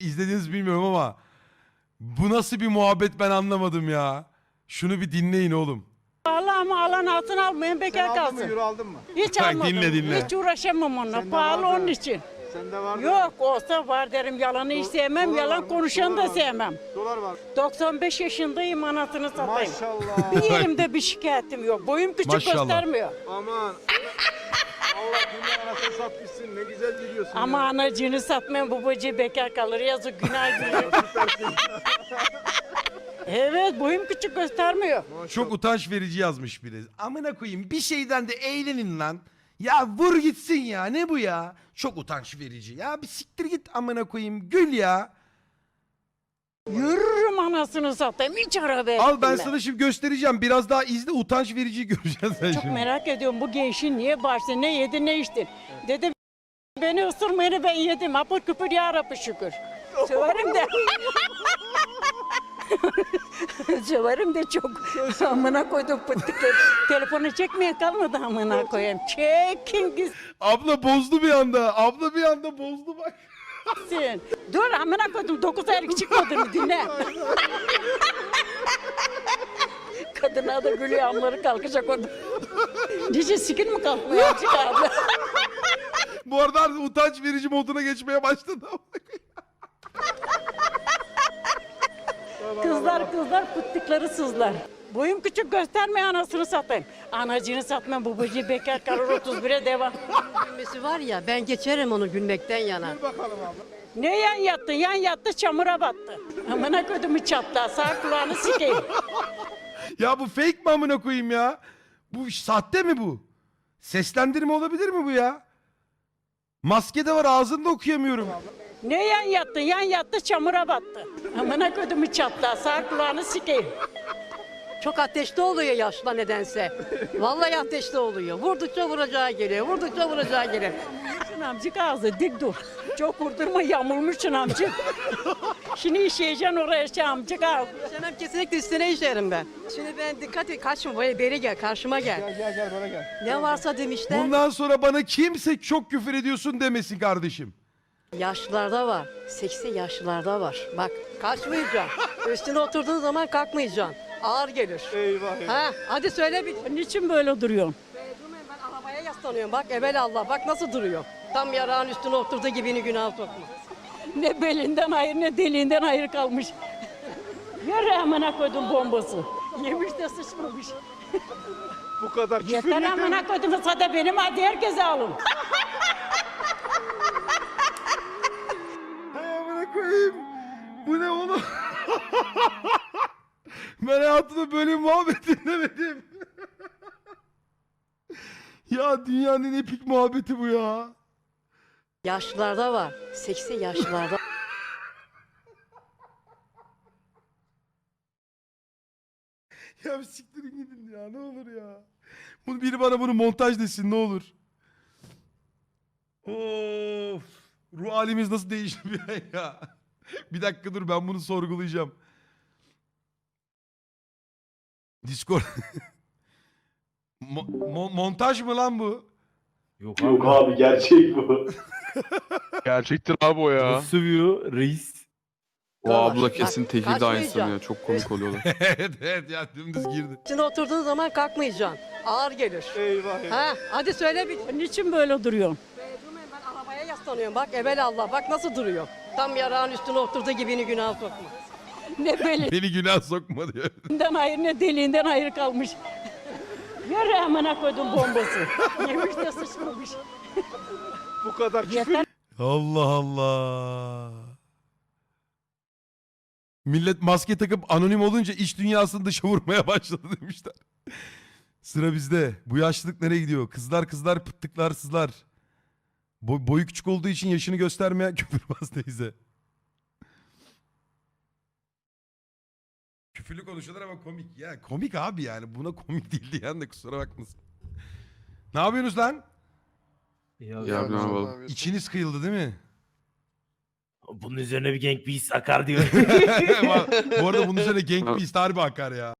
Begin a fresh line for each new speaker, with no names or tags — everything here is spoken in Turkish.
izlediniz bilmiyorum ama bu nasıl bir muhabbet ben anlamadım ya. Şunu bir dinleyin oğlum.
Pahalı ama alan altın almayın
Sen
bekar
aldın mı?
kalsın.
Euro aldın mı?
Hiç
Bak,
almadım.
dinle.
Hiç uğraşamam onunla.
Sende
Pahalı
var da.
onun için.
Sende var mı?
Yok olsa var derim. Yalanı hiç sevmem.
Dolar var
Yalan
mı?
konuşanı
Dolar
da
var mı?
sevmem.
Dolar var.
95 yaşındayım anasını satayım.
Maşallah.
Bir yerimde bir şikayetim yok. Boyum küçük
Maşallah.
göstermiyor.
Aman. Allah dünya anasını satmışsın. Ne güzel gidiyorsun
Ama
ya.
anacığını satmayan babacığı bekar kalır. Yazık günah girer. Evet boyum küçük göstermiyor.
Çok utanç verici yazmış biri. Amına koyayım bir şeyden de eğlenin lan. Ya vur gitsin ya, ne bu ya? Çok utanç verici. Ya bir siktir git amına koyayım, gül ya.
Yürürüm anasını satayım. Hiç araba
Al ben
ettim
sana şimdi göstereceğim. Biraz daha izle, utanç vericiyi göreceksin sen
Çok
şimdi.
merak ediyorum bu gençin niye başta ne yedi ne içti. Dedi beni ısırmayını ben yedim. Apır küpür ya Rabbi şükür. Severim de. Severim de çok. Amına koydum pıttıkları. Telefonu çekmeye kalmadı amına koyayım. Çekin
Abla bozdu bir anda. Abla bir anda bozdu bak.
gitsin. Dur amına koydum 9 aylık çıkmadığını dinle. Kadına da gülüyor amları kalkacak orada. Nice sikin mi kalkmıyor azıcık abi?
Bu arada artık utanç verici moduna geçmeye başladı.
Kızlar pıttıkları sızlar. Boyum küçük gösterme anasını satayım. Anacını satmam babacığı bekar kalır 31'e devam.
Gülmesi var ya ben geçerim onu gülmekten yana.
Bakalım abla.
Ne yan yattı? Yan yattı çamura battı. Amına kodumu çatla sağ kulağını sikeyim.
Ya bu fake mi amına koyayım ya? Bu sahte mi bu? Seslendirme olabilir mi bu ya? Maske de var, ağzını da okuyamıyorum.
Ne yan yattı? Yan yattı çamura battı. Amına kodumu çatla sağ kulağını sikeyim.
Çok ateşli oluyor yaşla nedense. Vallahi ateşli oluyor. Vurdukça vuracağı geliyor. Vurdukça vuracağı geliyor.
Şun amcık ağzı dik dur. Çok vurdurma yamulmuşsun amcık. Şimdi işeyeceksin oraya şey amcık ağzı.
İşemem kesinlikle üstüne işerim ben. Şimdi ben dikkat et kaçma böyle beri gel karşıma gel.
Gel bana gel.
Ne varsa demişler.
Bundan sonra bana kimse çok küfür ediyorsun demesin kardeşim.
Yaşlılarda var. Seksi yaşlılarda var. Bak kaçmayacaksın. Üstüne oturduğun zaman kalkmayacaksın. Ağır gelir.
Eyvah eyvah.
Ha, hadi söyle bir.
Niçin böyle duruyorsun?
Durmayın ben arabaya yaslanıyorum. Bak evvel Allah bak nasıl duruyor. Tam yarağın üstüne oturduğu gibini günah sokma.
Ne belinden hayır ne deliğinden hayır kalmış. Yürü amına koydum bombası. Yemiş de sıçmamış.
Bu kadar küfür
Yeter
yeter.
amına koydum sada benim hadi herkese alın.
Hay amına koyayım. Bu ne oğlum? Ben hayatımda böyle bir muhabbet dinlemedim. Ya dünyanın en epik muhabbeti bu ya.
Yaşlılarda var. Seksi yaşlılarda.
Ya bir siktirin gidin ya, ne olur ya. Bunu biri bana bunu montaj desin ne olur. Of. Ruh halimiz nasıl değişti bir ay ya. Bir dakika dur, ben bunu sorgulayacağım. Discord. Montaj mı lan bu?
Yok abi gerçek bu.
Gerçektir abi o ya.
Nasıl sövüyor reis?
O abla
Bak,
kesin tekil de
kaçmayacağım.
aynısını ya. Çok komik oluyorlar.
Evet evet ya, dümdüz girdi.
Üstüne oturduğun zaman kalkmayacaksın. Ağır gelir.
Eyvah eyvah.
Ha, hadi söyle bir.
Niçin böyle duruyorsun?
Durmayın ben arabaya yaslanıyorum. Bak evvel Allah bak nasıl duruyor. Tam yarağın üstüne oturduğu gibini günah sokma.
Ne belinden
Beni günah sokma diyor.
hayır ne deliğinden hayır kalmış. Yürü amına koydum bombası. Yemiş de sıçmamış.
Bu kadar küfür
Yeter
Allah Allah. Millet maske takıp anonim olunca iç dünyasını dışa vurmaya başladı demişler. Sıra bizde. Bu yaşlılık nereye gidiyor? Kızlar pıttıklar sızlar. Boyu küçük olduğu için yaşını göstermeyen küfürbaz teyze. Küfürlü konuşuyorlar ama komik. Ya komik abi yani. Buna komik değil diyen de kusura bakmasın. Ne yapıyorsunuz lan?
Ya ne yapalım.
İçiniz kıyıldı değil mi?
Bunun üzerine bir Gang Beasts akar diyor.
Bu arada bunun üzerine Gang Beast harbi akar ya.